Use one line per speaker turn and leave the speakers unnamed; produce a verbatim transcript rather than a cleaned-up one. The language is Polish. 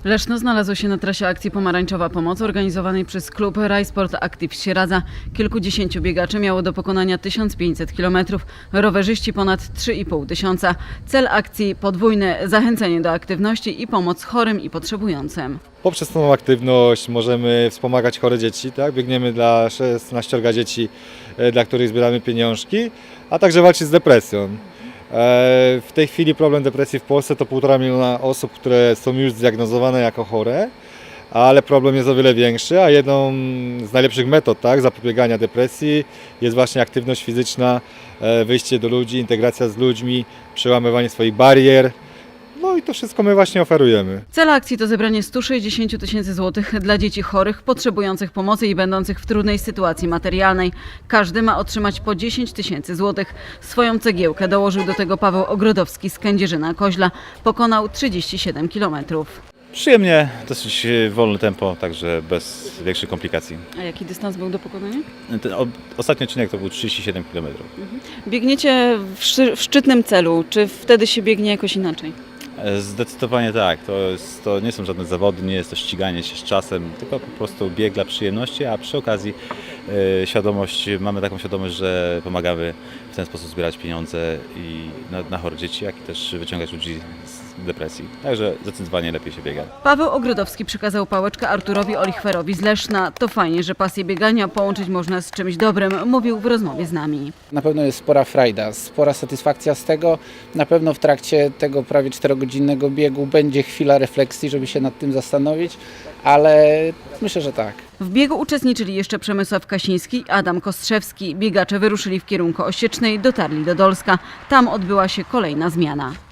Leszno znalazło się na trasie akcji Pomarańczowa Pomoc organizowanej przez klub Rajsport Active z Sieradza. Kilkudziesięciu biegaczy miało do pokonania tysiąc pięćset kilometrów, rowerzyści ponad trzy i pół tysiąca. Cel akcji podwójny: zachęcenie do aktywności i pomoc chorym i potrzebującym.
Poprzez tą aktywność możemy wspomagać chore dzieci, tak? Biegniemy dla szesnaściorga dzieci, dla których zbieramy pieniążki, a także walczyć z depresją. W tej chwili problem depresji w Polsce to półtora miliona osób, które są już zdiagnozowane jako chore, ale problem jest o wiele większy, a jedną z najlepszych metod, tak, zapobiegania depresji jest właśnie aktywność fizyczna, wyjście do ludzi, integracja z ludźmi, przełamywanie swoich barier. No i to wszystko my właśnie oferujemy.
Cel akcji to zebranie stu sześćdziesięciu tysięcy złotych dla dzieci chorych, potrzebujących pomocy i będących w trudnej sytuacji materialnej. Każdy ma otrzymać po dziesięć tysięcy złotych. Swoją cegiełkę dołożył do tego Paweł Ogrodowski z Kędzierzyna-Koźla. Pokonał trzydzieści siedem kilometrów.
Przyjemnie, dosyć wolne tempo, także bez większych komplikacji.
A jaki dystans był do pokonania?
Ten o, ostatni odcinek to był trzydzieści siedem kilometrów.
Biegniecie w, szy- w szczytnym celu. Czy wtedy się biegnie jakoś inaczej?
Zdecydowanie tak, to, jest, to nie są żadne zawody, nie jest to ściganie się z czasem, tylko po prostu bieg dla przyjemności, a przy okazji e, świadomość, mamy taką świadomość, że pomagamy w ten sposób zbierać pieniądze i na, na chore dzieci, jak i też wyciągać ludzi z depresji. Także zdecydowanie lepiej się biega.
Paweł Ogrodowski przekazał pałeczkę Arturowi Olichwerowi z Leszna. To fajnie, że pasję biegania połączyć można z czymś dobrym, mówił w rozmowie z nami.
Na pewno jest spora frajda, spora satysfakcja z tego. Na pewno w trakcie tego prawie czterogodzinnego biegu będzie chwila refleksji, żeby się nad tym zastanowić, ale myślę, że tak.
W biegu uczestniczyli jeszcze Przemysław Kasiński i Adam Kostrzewski. Biegacze wyruszyli w kierunku Osiecznej, dotarli do Dolska. Tam odbyła się kolejna zmiana.